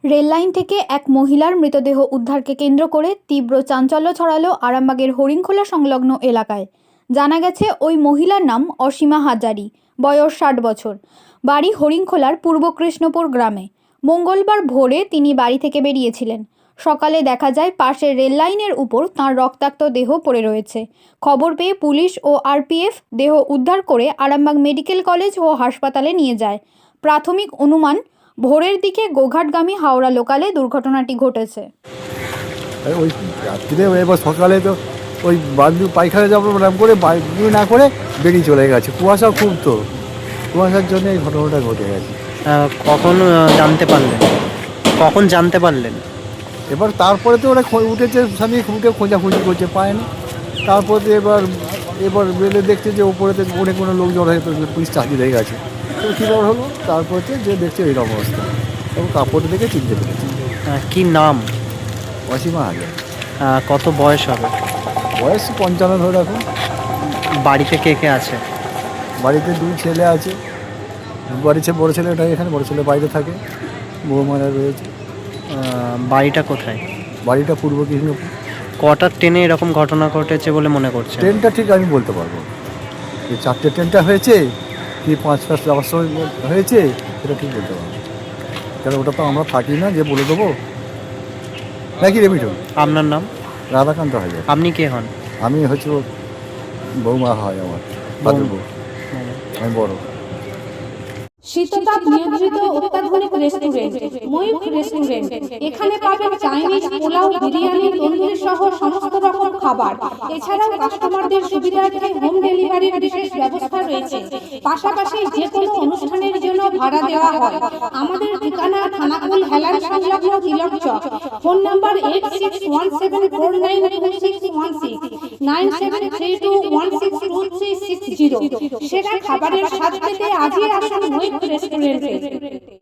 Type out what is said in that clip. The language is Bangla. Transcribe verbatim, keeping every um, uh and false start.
রেললাইন থেকে এক মহিলার মৃতদেহ উদ্ধারকে কেন্দ্র করে তীব্র চাঞ্চল্য ছড়ালো আরামবাগের হরিণখোলা সংলগ্ন এলাকায়। জানা গেছে ওই মহিলার নাম অসীমা হাজারি, বয়স ষাট বছর, বাড়ি হরিণখোলার পূর্ব কৃষ্ণপুর গ্রামে। মঙ্গলবার ভোরে তিনি বাড়ি থেকে বেরিয়েছিলেন। সকালে দেখা যায় পাশের রেললাইনের উপর তাঁর রক্তাক্ত দেহ পড়ে রয়েছে। খবর পেয়ে পুলিশ ও আরপিএফ দেহ উদ্ধার করে আরামবাগ মেডিকেল কলেজ ও হাসপাতালে নিয়ে যায়। প্রাথমিক অনুমান, ভোরের দিকে গোঘাটগামী হাওড়া লোকালে দুর্ঘটনাটি ঘটেছে। ওই রাত্রিরে এবার সকালে তো ওই বাথরুম পায়খানা যাবো নাম করে বাথরুম না করে বেরিয়ে চলে গেছে। কুয়াশা খুব, তো কুয়াশার জন্য এই ঘটনাটা ঘটে গেছে। কখন জানতে পারলেন কখন জানতে পারলেন এবার তারপরে তো ওরা উঠেছে, স্বামী উঠে খোঁজাখুঁজি করছে, পায়নি। তারপরে এবার এবার বেলে দেখছে যে ওপরেতে অনেক কোনো লোক জড়ো হয়ে পুলিশ চাকরি হয়ে গেছে। তো কীভাবে হলো, তারপরে যে দেখছে এইরকম অবস্থা, এবং কাপড় দেখে চিনতে পেরেছে। কি নাম? অসীমা হাজার। কত বয়স হবে? বয়স পঞ্চান্ন ধরে রাখুন। বাড়িতে কে কে আছে? বাড়িতে দুই ছেলে আছে। বাড়িতে বড়ো ছেলেটা এখানে, বড়ো ছেলে বাইরে থাকে, বৌমারা রয়েছে। বাড়িটা কোথায়? বাড়িটা পূর্ব কৃষ্ণপুর। কটার ট্রেনে এরকম ঘটনা ঘটেছে বলে মনে করছে? ট্রেনটা ঠিক আমি বলতে পারবো, যে চারটে ট্রেনটা হয়েছে কি পাঁচটা যাওয়ার সময় হয়েছে সেটা ঠিক বলতে পারবো, কারণ ওটা তো আমরা থাকি না যে বলে দেবো নাকি। রে মিঠুন। আপনার নাম? রাধাকান্ত হাজার। আপনি কে হন? আমি হচ্ছে বৌমা হয় আমার, বউ। আমি বড়। শীততাপ নিয়ন্ত্রিত অত্যাধুনিক রেস্টুরেন্ট ময়ূখ রেস্টুরেন্ট। এখানে পাবেন চাইনিজ, পোলাও, বিরিয়ানি, তন্দুরি সহ সমস্ত রকম খাবার। এছাড়াও কাস্টমারদের সুবিধার্থে হোম ডেলিভারির বিশেষ ব্যবস্থা রয়েছে। পাশাপাশি যে কোনো অনুষ্ঠানের জন্য ভাড়া দেওয়া হয়। আমাদের ঠিকানা থানাকুল হেলান সংলগ্ন Tilak Chak. Phone number eight six one seven four nine two six one six, nine seven three two one six two three six zero. সেরা খাবারের স্বাদ পেতে আজই আসুন ময়ূখ রেস্টুরেন্টে।